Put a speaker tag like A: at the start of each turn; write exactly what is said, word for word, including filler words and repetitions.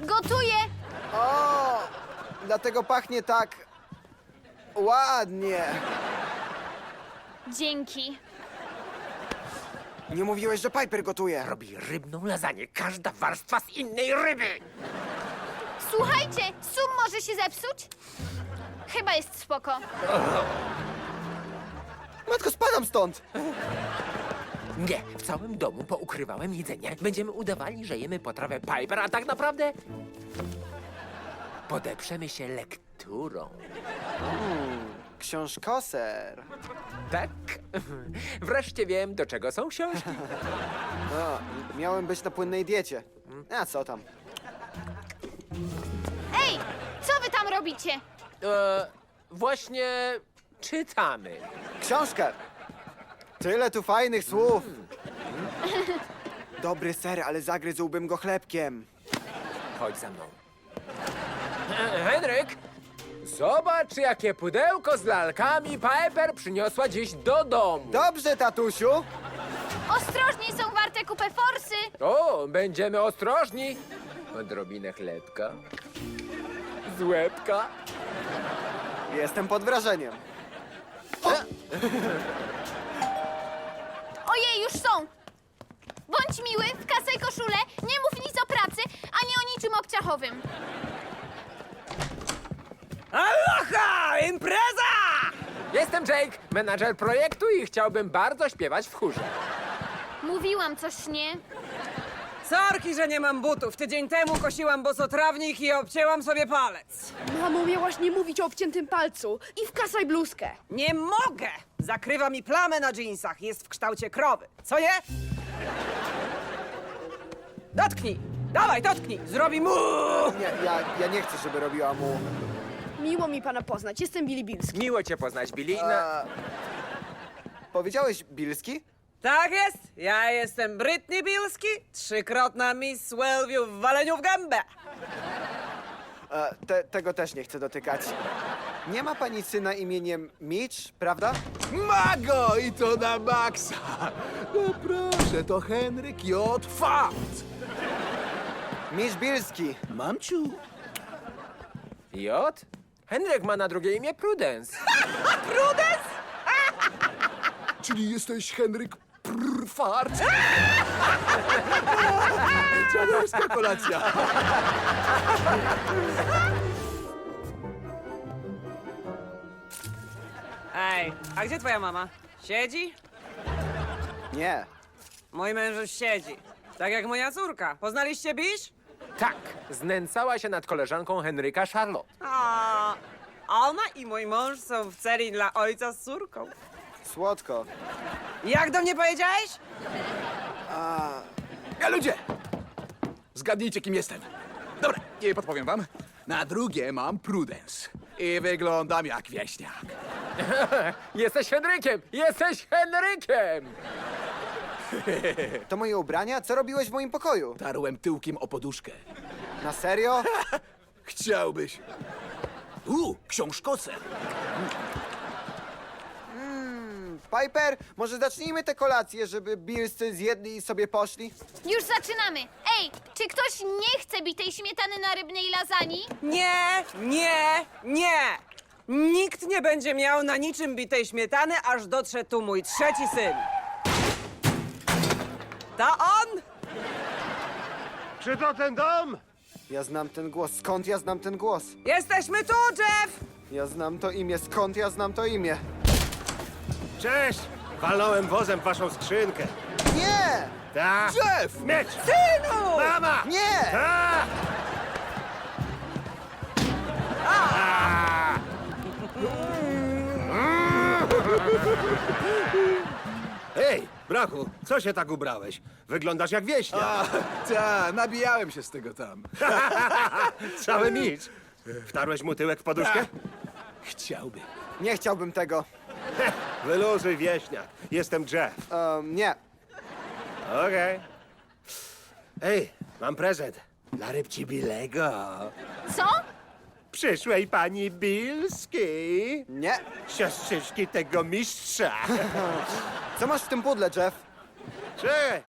A: Gotuję!
B: O, dlatego pachnie tak ładnie.
A: Dzięki.
B: Nie mówiłeś, że Piper gotuje.
C: Robi rybną lasagne, każda warstwa z innej ryby.
A: Słuchajcie, sum może się zepsuć? Chyba jest spoko.
B: Matko, spadam stąd.
C: Nie, w całym domu poukrywałem jedzenie. Będziemy udawali, że jemy potrawę Piper, a tak naprawdę podeprzemy się lekturą.
B: Książkoser.
C: Tak? Wreszcie wiem, do czego są książki.
B: No, miałem być na płynnej diecie. A co tam?
A: Ej, co wy tam robicie?
C: E, właśnie czytamy.
B: Książkę. Tyle tu fajnych słów. Dobry ser, ale zagryzłbym go chlebkiem.
C: Chodź za mną. E, Henryk, zobacz, jakie pudełko z lalkami Piper przyniosła dziś do domu.
B: Dobrze, tatusiu.
A: Ostrożnie, są warte kupę forsy.
C: O, będziemy ostrożni. Odrobinę chlebka. Z łebka.
B: Jestem pod wrażeniem.
A: Ojej, już są. Bądź miły, wkasaj koszulę, nie mów nic o pracy, ani o niczym obciachowym.
C: Aloha! Impreza! Jestem Jake, menadżer projektu i chciałbym bardzo śpiewać w chórze.
A: Mówiłam coś, nie?
D: Sorki, że nie mam butów. Tydzień temu kosiłam bosotrawnik i obcięłam sobie palec.
E: Mamo, miałaś nie mówić o obciętym palcu i wkasaj bluzkę.
D: Nie mogę! Zakrywa mi plamę na dżinsach. Jest w kształcie krowy. Co je? Dotknij! Dawaj, dotknij! Zrobi mu!
B: Nie, ja, ja nie chcę, żeby robiła mu...
E: Miło mi pana poznać, jestem Billy Bilski.
C: Miło cię poznać, Billy. Na...
B: E, powiedziałeś Bilski?
D: Tak jest! Ja jestem Britney Bilski, trzykrotna Miss Wellview w waleniu w gębę.
B: E, te, tego też nie chcę dotykać. Nie ma pani syna imieniem Mitch, prawda?
F: Mago i to na maksa! No proszę, to Henryk J. Fakt!
B: Mitch Bilski.
F: Mamciu,
C: J? Henryk ma na drugie imię Prudence.
F: czyli jesteś Henryk Prfart? Dziadowska kolacja!
D: Ej, a gdzie twoja mama? Siedzi?
B: Nie.
D: Mój męż już siedzi. Tak jak moja córka. Poznaliście Bisz?
C: Tak, znęcała się nad koleżanką Henryka Charlotte.
D: A, ona i mój mąż są w celi dla ojca z córką.
B: Słodko.
D: Jak do mnie powiedziałeś?
F: A ludzie! Zgadnijcie, kim jestem. Dobra, nie podpowiem wam. Na drugie mam Prudence. I wyglądam jak wieśniak.
C: Jesteś Henrykiem! Jesteś Henrykiem!
B: To moje ubrania? Co robiłeś w moim pokoju?
F: Tarłem tyłkiem o poduszkę.
B: Na serio?
F: Chciałbyś. U, książkoser.
B: Piper, może zacznijmy tę kolację, żeby Billscy zjedli i sobie poszli?
A: Już zaczynamy. Ej, czy ktoś nie chce bitej śmietany na rybnej lasagne?
D: Nie, nie, nie! Nikt nie będzie miał na niczym bitej śmietany, aż dotrze tu mój trzeci syn. To on?
G: Czy to ten dom?
B: Ja znam ten głos. Skąd ja znam ten głos?
D: Jesteśmy tu, Jeff!
B: Ja znam to imię. Skąd ja znam to imię?
G: Cześć! Walnąłem wozem w waszą skrzynkę.
B: Nie!
G: Ta!
F: Jeff!
G: Miecz!
D: Synu!
G: Mama!
B: Nie!
G: Ta! Ej, brachu, co się tak ubrałeś? Wyglądasz jak wieśniak.
F: A, ta, nabijałem się z tego tam.
G: Cały micz. Wtarłeś mu tyłek w poduszkę?
F: Chciałbym.
B: Nie chciałbym tego.
G: Wyluzuj, wieśniak. Jestem Jeff.
B: Um, nie.
G: Okej. Ej, mam prezent. Dla rybci Bilego.
A: Co?
G: Przyszłej pani Bilskiej.
B: Nie.
G: Siostrzyczki tego mistrza.
B: Co masz w tym pudle, Jeff?
G: Cześć.